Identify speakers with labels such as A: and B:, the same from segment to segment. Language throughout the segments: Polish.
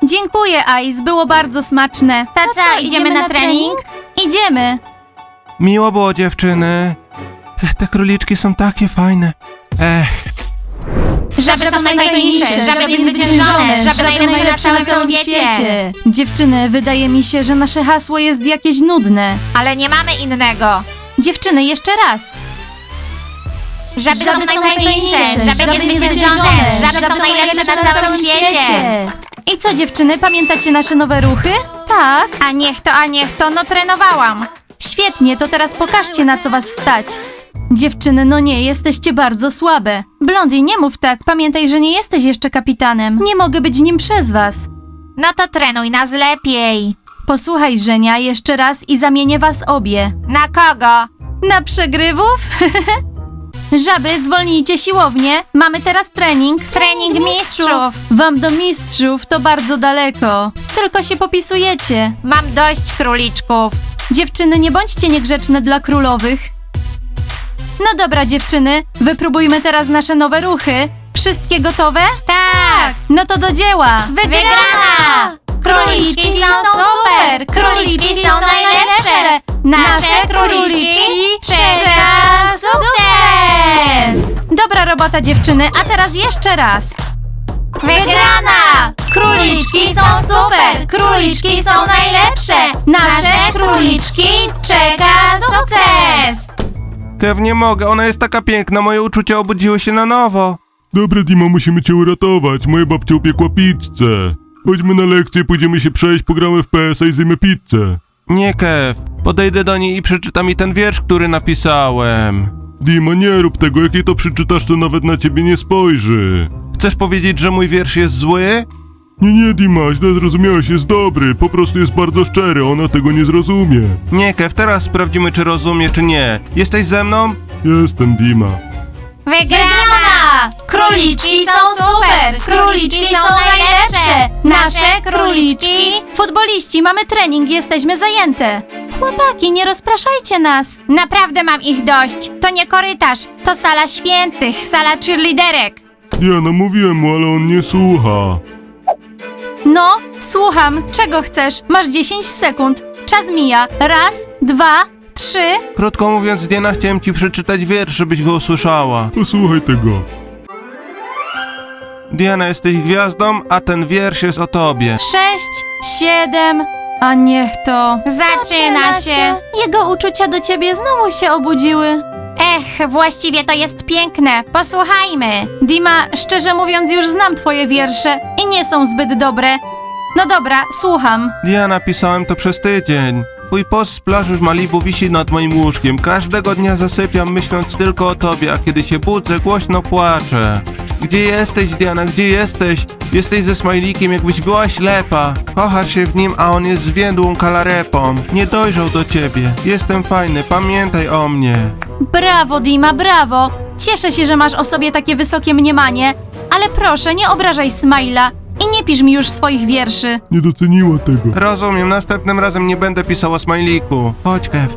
A: Dziękuję, Ice, było bardzo smaczne.
B: To co, idziemy na trening?
A: Idziemy.
C: Miło było, dziewczyny. Te króliczki są takie fajne.
B: Żaby są najfajniejsze, żaby niezwyciężone, żaby są najlepsze na całym świecie.
A: Dziewczyny, wydaje mi się, że nasze hasło jest jakieś nudne.
B: Ale nie mamy innego.
A: Dziewczyny, jeszcze raz.
B: Żaby są najfajniejsze, żaby niezwyciężone, żaby są najlepsze na całym świecie.
A: I co, dziewczyny, pamiętacie nasze nowe ruchy? Tak.
B: A niech to, no trenowałam.
A: Świetnie, to teraz pokażcie, na co was stać. Dziewczyny, no nie, jesteście bardzo słabe. Blondie, nie mów tak, pamiętaj, że nie jesteś jeszcze kapitanem. Nie mogę być nim przez was.
B: No to trenuj nas lepiej.
A: Posłuchaj, Żenia, jeszcze raz i zamienię was obie.
B: Na kogo?
A: Na przegrywów? Żaby, zwolnijcie siłownię. Mamy teraz trening.
B: Trening mistrzów.
A: Wam do mistrzów to bardzo daleko. Tylko się popisujecie.
B: Mam dość króliczków.
A: Dziewczyny, nie bądźcie niegrzeczne dla królowych. No dobra, dziewczyny, wypróbujmy teraz nasze nowe ruchy. Wszystkie gotowe?
B: Tak.
A: No to do dzieła.
B: Wygrana! Króliczki są super! Króliczki są najlepsze! Nasze króliczki czeka sukces!
A: Dobra robota, dziewczyny, a teraz jeszcze raz.
B: Wygrana! Króliczki są super! Króliczki są najlepsze! Nasze króliczki czeka sukces!
C: Kev, nie mogę, ona jest taka piękna, moje uczucia obudziły się na nowo.
D: Dobra, Dima, musimy cię uratować. Moja babcia upiekła pizzę. Chodźmy na lekcję, pójdziemy się przejść, pogramy w PS-a i zjemy pizzę.
C: Nie, Kev, podejdę do niej i przeczyta mi ten wiersz, który napisałem.
D: Dima, nie rób tego, jak jej to przeczytasz, to nawet na ciebie nie spojrzy.
C: Chcesz powiedzieć, że mój wiersz jest zły?
D: Nie, Dima, źle zrozumiałeś, jest dobry, po prostu jest bardzo szczery, ona tego nie zrozumie.
C: Nie, Kev, teraz sprawdzimy, czy rozumie, czy nie. Jesteś ze mną?
D: Jestem, Dima.
B: Wygrana! Króliczki są super! Króliczki są najlepsze! Nasze króliczki...
A: Futboliści, mamy trening, jesteśmy zajęte. Chłopaki, nie rozpraszajcie nas.
B: Naprawdę mam ich dość. To nie korytarz, to sala świętych, sala cheerleaderek.
D: Diana, mówiłem mu, ale on nie słucha.
A: No, słucham, czego chcesz? Masz 10 sekund. Czas mija. Raz, dwa, trzy.
C: Krótko mówiąc, Diana, chciałem ci przeczytać wiersz, żebyś go usłyszała.
D: Posłuchaj tego.
C: Diana, jesteś gwiazdą, a ten wiersz jest o tobie.
A: 6, 7, a niech to.
B: Zaczyna się.
A: Jego uczucia do ciebie znowu się obudziły.
B: Właściwie to jest piękne. Posłuchajmy.
A: Dima, szczerze mówiąc, już znam twoje wiersze i nie są zbyt dobre. No dobra, słucham.
C: Diana, pisałem to przez tydzień. Twój post z plaży w Malibu wisi nad moim łóżkiem. Każdego dnia zasypiam, myśląc tylko o tobie, a kiedy się budzę, głośno płaczę. Gdzie jesteś, Diana, gdzie jesteś? Jesteś ze smajlikiem, jakbyś była ślepa. Kochasz się w nim, a on jest zwiędłą kalarepą. Nie dojrzał do ciebie. Jestem fajny, pamiętaj o mnie.
A: Brawo, Dima, brawo. Cieszę się, że masz o sobie takie wysokie mniemanie, ale proszę, nie obrażaj Smajla i nie pisz mi już swoich wierszy.
D: Nie doceniła tego.
C: Rozumiem, następnym razem nie będę pisał o smajliku. Chodź, Kev.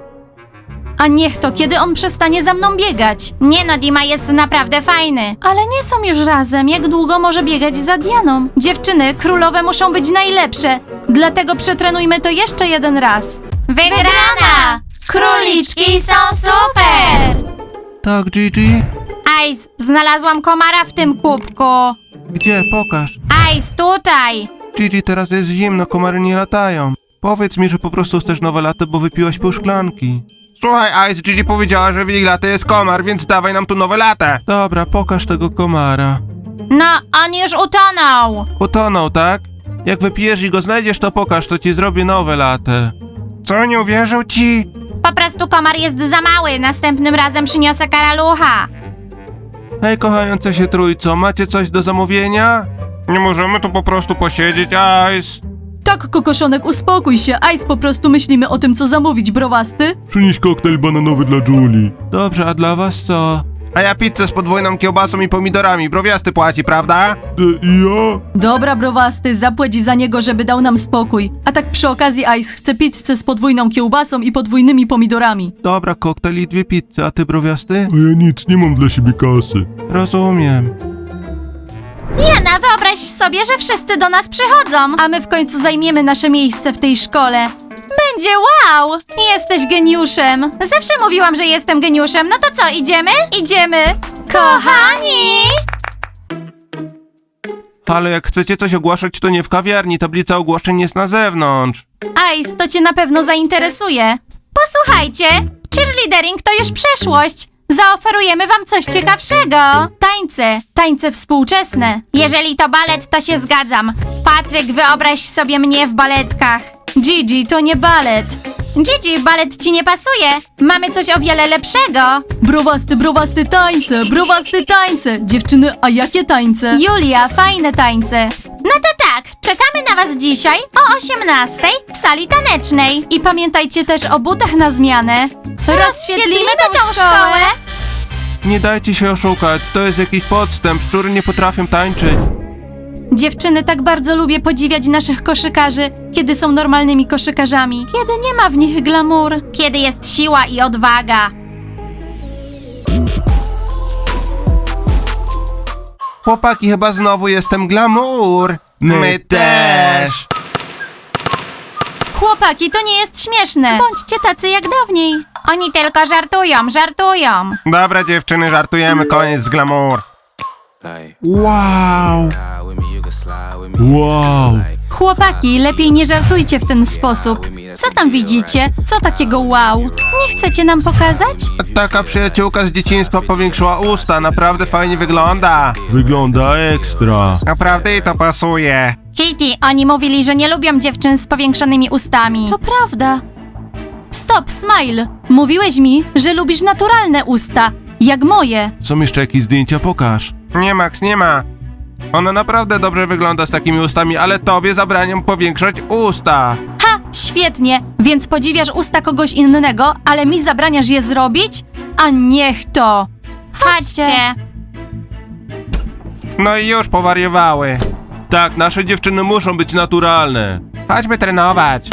A: A niech to, kiedy on przestanie za mną biegać.
B: Nie no, Dima jest naprawdę fajny.
A: Ale nie są już razem, jak długo może biegać za Dianą? Dziewczyny, królowe muszą być najlepsze, dlatego przetrenujmy to jeszcze jeden raz.
B: Wygrana! Króliczki są super!
C: Tak, Gigi?
B: Ice, znalazłam komara w tym kubku.
C: Gdzie? Pokaż.
B: Ice, tutaj.
C: Gigi, teraz jest zimno, komary nie latają. Powiedz mi, że po prostu chcesz nowe lato, bo wypiłaś pół szklanki. Słuchaj, Ice, Gigi powiedziała, że w jej lato jest komar, więc dawaj nam tu nowe latę. Dobra, pokaż tego komara.
B: No, on już utonął.
C: Utonął, tak? Jak wypijesz i go znajdziesz, to pokaż, to ci zrobię nowe latę. Co, nie uwierzył ci?
B: Po prostu komar jest za mały. Następnym razem przyniosę karalucha.
C: Hej, kochające się trójco, macie coś do zamówienia? Nie możemy tu po prostu posiedzieć, Ice.
A: Tak, kokoszonek, uspokój się, Ice, po prostu myślimy o tym, co zamówić, browasty.
D: Przynieś koktajl bananowy dla Julie.
C: Dobrze, a dla was co? A ja pizzę z podwójną kiełbasą i pomidorami, browiasty płaci, prawda?
D: I ja?
A: Dobra, browasty, zapłać za niego, żeby dał nam spokój. A tak przy okazji, Ice chce pizzę z podwójną kiełbasą i podwójnymi pomidorami.
C: Dobra, koktajl i 2 pizze, a ty browiasty?
D: A ja nic, nie mam dla siebie kasy.
C: Rozumiem.
A: Jana, wyobraź sobie, że wszyscy do nas przychodzą, a my w końcu zajmiemy nasze miejsce w tej szkole. Będzie wow! Jesteś geniuszem. Zawsze mówiłam, że jestem geniuszem. No to co, idziemy? Idziemy! Kochani!
C: Ale jak chcecie coś ogłaszać, to nie w kawiarni, tablica ogłoszeń jest na zewnątrz.
A: Ice, to cię na pewno zainteresuje. Posłuchajcie, cheerleadering to już przeszłość. Zaoferujemy wam coś ciekawszego. Tańce współczesne.
B: Jeżeli to balet, to się zgadzam. Patryk, wyobraź sobie mnie w baletkach.
A: Gigi, to nie balet.
B: Gigi, balet ci nie pasuje. Mamy coś o wiele lepszego.
A: Browasty tańce. Dziewczyny, a jakie tańce? Julia, fajne tańce.
B: No to tak, czekamy na was dzisiaj o 18 w sali tanecznej.
A: I pamiętajcie też o butach na zmianę. Rozświetlimy tą szkołę.
C: Nie dajcie się oszukać, to jest jakiś podstęp, szczury nie potrafią tańczyć.
A: Dziewczyny, tak bardzo lubię podziwiać naszych koszykarzy, kiedy są normalnymi koszykarzami. Kiedy nie ma w nich glamour.
B: Kiedy jest siła i odwaga.
C: Chłopaki, chyba znowu jestem glamour. My też.
A: Chłopaki, to nie jest śmieszne. Bądźcie tacy jak dawniej.
B: Oni tylko żartują.
C: Dobra dziewczyny, żartujemy, koniec z glamour.
D: Wow! Wow!
A: Chłopaki, lepiej nie żartujcie w ten sposób. Co tam widzicie? Co takiego wow? Nie chcecie nam pokazać?
C: Taka przyjaciółka z dzieciństwa powiększyła usta, naprawdę fajnie wygląda.
D: Wygląda ekstra.
C: Naprawdę jej to pasuje.
B: Kitty, oni mówili, że nie lubią dziewczyn z powiększonymi ustami.
A: To prawda. Stop, Smile. Mówiłeś mi, że lubisz naturalne usta, jak moje.
C: Są jeszcze jakieś zdjęcia? Pokaż. Nie, Max, nie ma. Ona naprawdę dobrze wygląda z takimi ustami, ale tobie zabraniam powiększać usta.
A: Ha, świetnie. Więc podziwiasz usta kogoś innego, ale mi zabraniasz je zrobić? A niech to.
B: Chodźcie.
C: No i już powariowały. Tak, nasze dziewczyny muszą być naturalne. Chodźmy trenować.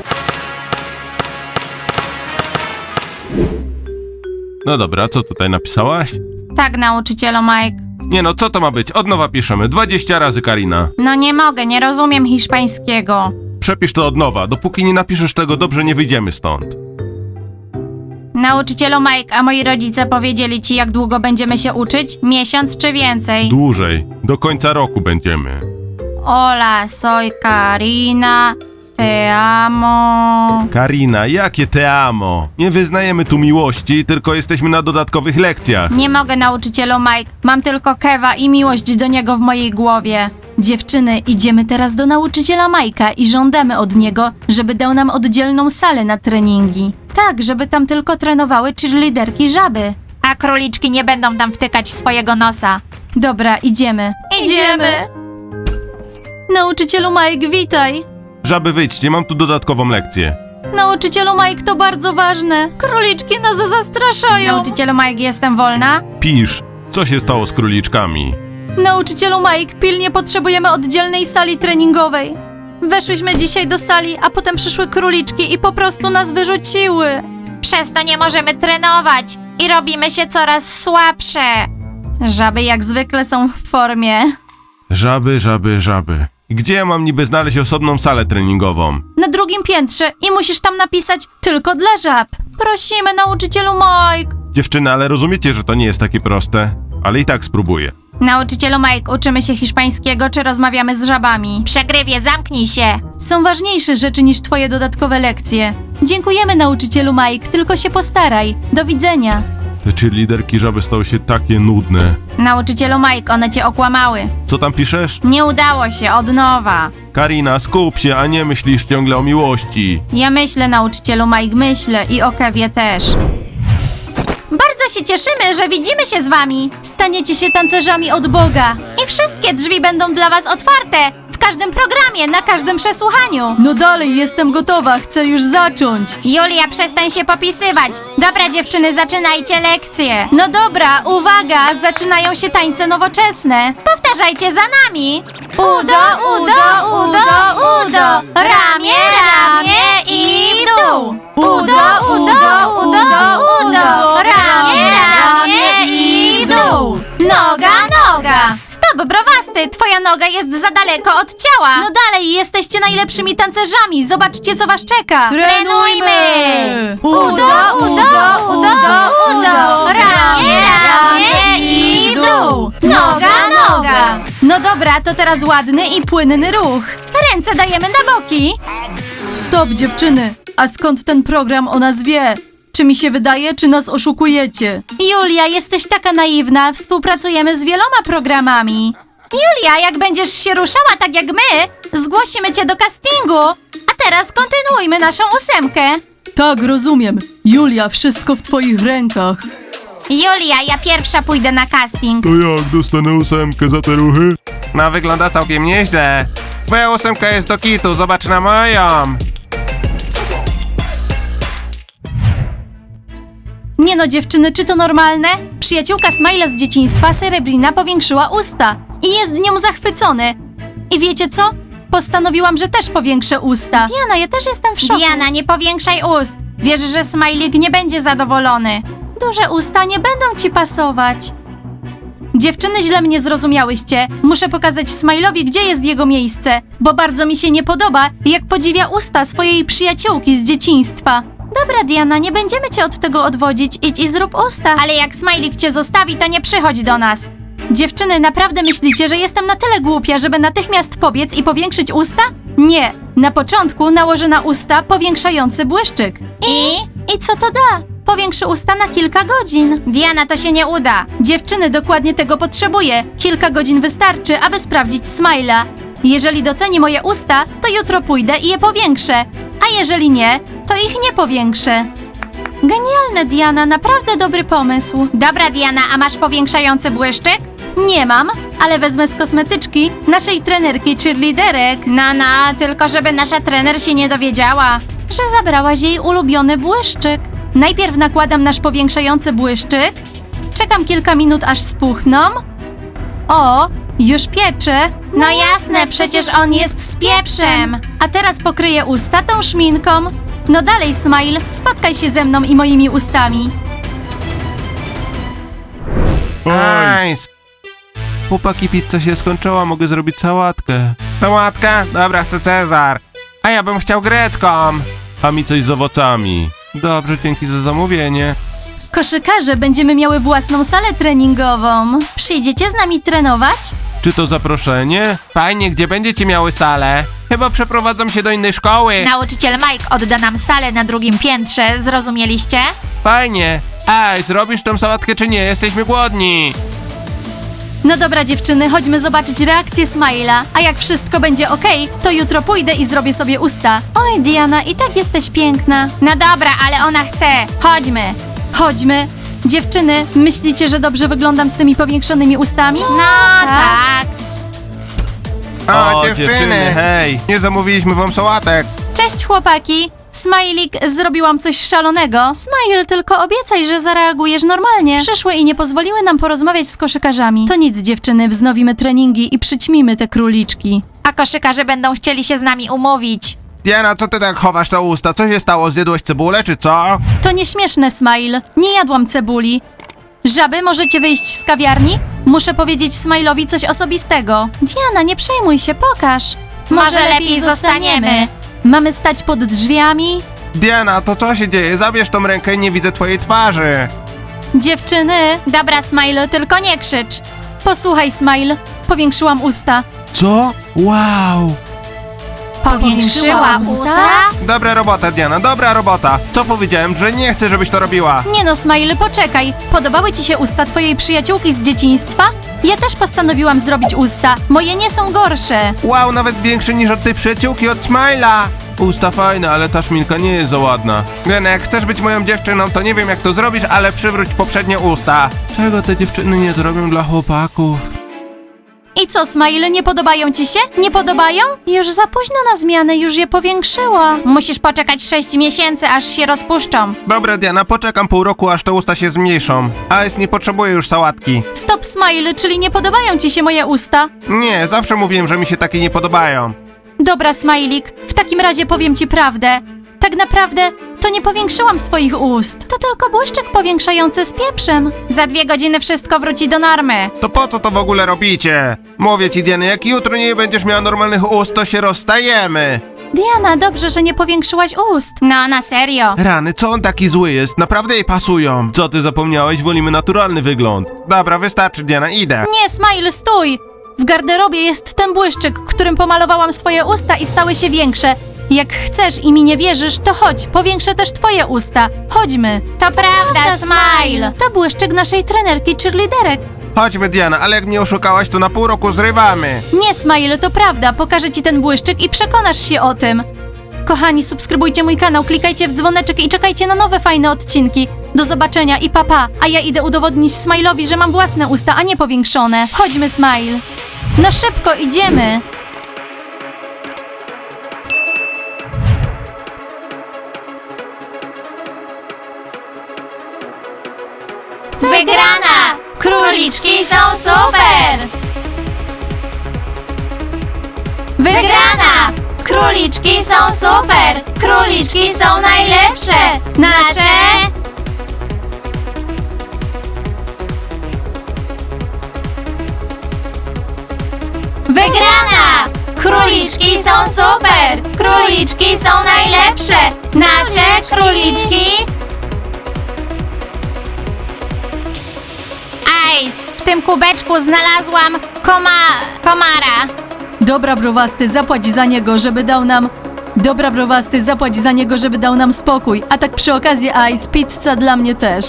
C: No dobra, co tutaj napisałaś?
B: Tak, nauczycielu Mike.
C: Nie no, co to ma być? Od nowa piszemy. 20 razy, Karina.
B: No nie mogę, nie rozumiem hiszpańskiego.
C: Przepisz to od nowa. Dopóki nie napiszesz tego dobrze, nie wyjdziemy stąd.
B: Nauczycielu Mike, a moi rodzice powiedzieli ci, jak długo będziemy się uczyć? Miesiąc czy więcej?
C: Dłużej. Do końca roku będziemy.
B: Hola, soy Karina. Te amo.
C: Karina, jakie te amo? Nie wyznajemy tu miłości, tylko jesteśmy na dodatkowych lekcjach.
B: Nie mogę, nauczycielu Mike. Mam tylko Kewa i miłość do niego w mojej głowie.
A: Dziewczyny, idziemy teraz do nauczyciela Majka i żądamy od niego, żeby dał nam oddzielną salę na treningi. Tak, żeby tam tylko trenowały cheerleaderki żaby.
B: A króliczki nie będą tam wtykać swojego nosa.
A: Dobra, idziemy. Nauczycielu Mike, witaj.
C: Żaby, wyjdźcie, mam tu dodatkową lekcję.
A: Nauczycielu Mike, to bardzo ważne. Króliczki nas zastraszają.
B: Nauczycielu Mike, jestem wolna?
C: Pisz, co się stało z króliczkami?
A: Nauczycielu Mike, pilnie potrzebujemy oddzielnej sali treningowej. Weszłyśmy dzisiaj do sali, a potem przyszły króliczki i po prostu nas wyrzuciły.
B: Przez to nie możemy trenować i robimy się coraz słabsze.
A: Żaby jak zwykle są w formie.
C: Żaby. Gdzie ja mam niby znaleźć osobną salę treningową?
A: Na drugim piętrze i musisz tam napisać tylko dla żab. Prosimy, nauczycielu Mike.
C: Dziewczyny, ale rozumiecie, że to nie jest takie proste? Ale i tak spróbuję.
B: Nauczycielu Mike, uczymy się hiszpańskiego, czy rozmawiamy z żabami? Przegrywie, zamknij się!
A: Są ważniejsze rzeczy niż twoje dodatkowe lekcje. Dziękujemy, nauczycielu Mike, tylko się postaraj. Do widzenia.
C: Te cheerleaderki żaby stały się takie nudne.
B: Nauczycielu Mike, one cię okłamały.
C: Co tam piszesz?
B: Nie udało się, od nowa.
C: Karina, skup się, a nie myślisz ciągle o miłości.
B: Ja myślę, nauczycielu Mike, myślę i o Kewie też. Bardzo się cieszymy, że widzimy się z wami.
A: Staniecie się tancerzami od Boga.
B: I wszystkie drzwi będą dla was otwarte. W każdym programie, na każdym przesłuchaniu.
A: No dalej, jestem gotowa, chcę już zacząć.
B: Julia, przestań się popisywać. Dobra, dziewczyny, zaczynajcie lekcję.
A: No dobra, uwaga, zaczynają się tańce nowoczesne.
B: Powtarzajcie za nami.
A: Udo, udo, udo, udo. Ramię, ramię i w dół. Udo, udo, udo, udo. Ramię, ramię i w dół. Noga, noga.
B: Stop, browasty,
A: usty, twoja noga jest za daleko od ciała. No dalej, jesteście najlepszymi tancerzami. Zobaczcie, co was czeka.
B: Trenujmy!
A: Udo, ramię i w dół. Noga. No dobra, to teraz ładny i płynny ruch. Ręce dajemy na boki.
E: Stop, dziewczyny! A skąd ten program o nas wie? Czy mi się wydaje, czy nas oszukujecie?
A: Julia, jesteś taka naiwna. Współpracujemy z wieloma programami. Julia, jak będziesz się ruszała tak jak my, zgłosimy cię do castingu. A teraz kontynuujmy naszą 8.
E: Tak, rozumiem. Julia, wszystko w twoich rękach.
A: Julia, ja pierwsza pójdę na casting.
D: To jak, dostanę 8 za te ruchy?
C: No wygląda całkiem nieźle. Twoja 8 jest do kitu, zobacz na moją.
A: Nie no, dziewczyny, czy to normalne? Przyjaciółka Smile'a z dzieciństwa, Serebrina, powiększyła usta. I jest nią zachwycony. I wiecie co? Postanowiłam, że też powiększę usta. Diana, ja też jestem w szoku. Diana, nie powiększaj ust. Wiesz, że Smajlik nie będzie zadowolony. Duże usta nie będą ci pasować. Dziewczyny, źle mnie zrozumiałyście. Muszę pokazać Smile'owi, gdzie jest jego miejsce, bo bardzo mi się nie podoba, jak podziwia usta swojej przyjaciółki z dzieciństwa. Dobra, Diana, nie będziemy cię od tego odwodzić. Idź i zrób usta. Ale jak Smajlik cię zostawi, to nie przychodź do nas. Dziewczyny, naprawdę myślicie, że jestem na tyle głupia, żeby natychmiast pobiec i powiększyć usta? Nie. Na początku nałożę na usta powiększający błyszczyk. I co to da? Powiększy usta na kilka godzin. Diana, to się nie uda. Dziewczyny, dokładnie tego potrzebuję. Kilka godzin wystarczy, aby sprawdzić Smile'a. Jeżeli doceni moje usta, to jutro pójdę i je powiększę. A jeżeli nie, to ich nie powiększę. Genialne, Diana, naprawdę dobry pomysł. Dobra, Diana, a masz powiększający błyszczyk? Nie mam, ale wezmę z kosmetyczki naszej trenerki cheerleaderek. No, tylko żeby nasza trener się nie dowiedziała, że zabrałaś jej ulubiony błyszczyk. Najpierw nakładam nasz powiększający błyszczyk. Czekam kilka minut, aż spuchną. O, już piecze. No jasne, przecież on jest z pieprzem. A teraz pokryję usta tą szminką. No dalej, Smile, spotkaj się ze mną i moimi ustami.
C: Nice. Chłopaki, pizza się skończyła, mogę zrobić sałatkę. Sałatkę? Dobra, chcę Cezar. A ja bym chciał grecką. A mi coś z owocami. Dobrze, dzięki za zamówienie.
A: Koszykarze, będziemy miały własną salę treningową. Przyjdziecie z nami trenować?
C: Czy to zaproszenie? Fajnie, gdzie będziecie miały salę? Chyba przeprowadzam się do innej szkoły.
B: Nauczyciel Mike odda nam salę na 2. piętrze, zrozumieliście?
C: Fajnie. Ej, zrobisz tą sałatkę czy nie? Jesteśmy głodni.
A: No dobra, dziewczyny, chodźmy zobaczyć reakcję Smile'a. A jak wszystko będzie okej, to jutro pójdę i zrobię sobie usta. Oj, Diana, i tak jesteś piękna. No dobra, ale ona chce. Chodźmy. Chodźmy. Dziewczyny, myślicie, że dobrze wyglądam z tymi powiększonymi ustami?
B: No tak.
C: O, dziewczyny, hej. Nie zamówiliśmy wam sałatek.
A: Cześć, chłopaki. Smajlik, zrobiłam coś szalonego. Smile, tylko obiecaj, że zareagujesz normalnie. Przyszły i nie pozwoliły nam porozmawiać z koszykarzami. To nic, dziewczyny, wznowimy treningi i przyćmimy te króliczki.
B: A koszykarze będą chcieli się z nami umówić.
C: Diana, co ty tak chowasz te usta? Co się stało? Zjadłeś cebulę, czy co?
A: To nieśmieszne, Smile. Nie jadłam cebuli. Żaby, możecie wyjść z kawiarni? Muszę powiedzieć Smile'owi coś osobistego. Diana, nie przejmuj się, pokaż.
B: Może lepiej zostaniemy.
A: Mamy stać pod drzwiami?
C: Diana, to co się dzieje? Zabierz tą rękę i nie widzę twojej twarzy.
A: Dziewczyny. Dobra, Smile, tylko nie krzycz. Posłuchaj, Smile. Powiększyłam usta.
C: Co? Wow.
B: Powiększyła usta?
C: Dobra robota, Diana, dobra robota. Co powiedziałem, że nie chcę, żebyś to robiła?
A: Nie no, Smile, poczekaj. Podobały ci się usta twojej przyjaciółki z dzieciństwa? Ja też postanowiłam zrobić usta. Moje nie są gorsze.
C: Wow, nawet większy niż od tej przyjaciółki od Smile'a. Usta fajne, ale ta szminka nie jest za ładna. Diana, jak chcesz być moją dziewczyną, to nie wiem jak to zrobisz, ale przywróć poprzednie usta. Czego te dziewczyny nie zrobią dla chłopaków?
A: I co, Smile, nie podobają ci się? Nie podobają? Już za późno na zmianę, już je powiększyła. Musisz poczekać 6 miesięcy, aż się rozpuszczą.
C: Dobra, Diana, poczekam pół roku, aż te usta się zmniejszą. Ice nie potrzebuje już sałatki.
A: Stop, Smile, czyli nie podobają ci się moje usta?
C: Nie, zawsze mówiłem, że mi się takie nie podobają.
A: Dobra, Smajlik, w takim razie powiem ci prawdę. Tak naprawdę To nie powiększyłam swoich ust. To tylko błyszczyk powiększający z pieprzem. Za 2 godziny wszystko wróci do normy.
C: To po co to w ogóle robicie? Mówię ci, Diana, jak jutro nie będziesz miała normalnych ust, to się rozstajemy.
A: Diana, dobrze, że nie powiększyłaś ust.
B: No, na serio.
C: Rany, co on taki zły jest? Naprawdę jej pasują.
D: Co ty zapomniałeś? Wolimy naturalny wygląd.
C: Dobra, wystarczy, Diana, idę.
A: Nie, Smile, stój! W garderobie jest ten błyszczyk, którym pomalowałam swoje usta i stały się większe. Jak chcesz i mi nie wierzysz, to chodź, powiększę też twoje usta. Chodźmy.
B: To prawda, Smile.
A: To błyszczyk naszej trenerki cheerleaderek.
C: Chodźmy, Diana, ale jak mnie oszukałaś, to na pół roku zrywamy.
A: Nie, Smile, to prawda. Pokażę ci ten błyszczyk i przekonasz się o tym. Kochani, subskrybujcie mój kanał, klikajcie w dzwoneczek i czekajcie na nowe fajne odcinki. Do zobaczenia i papa. A ja idę udowodnić Smile'owi, że mam własne usta, a nie powiększone. Chodźmy, Smile. No szybko, idziemy.
B: Wygrana! Króliczki są super! Wygrana! Króliczki są super! Króliczki są najlepsze! Nasze... Wygrana! Króliczki są super! Króliczki są najlepsze! Nasze króliczki... Ice, w tym kubeczku znalazłam komara.
E: Dobra, browasty, zapłać za niego, żeby dał nam... Dobra, browasty, zapłać za niego, żeby dał nam spokój. A tak przy okazji, Ice, pizza dla mnie też.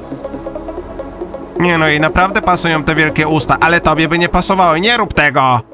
C: Nie no, i naprawdę pasują te wielkie usta, ale tobie by nie pasowały, nie rób tego.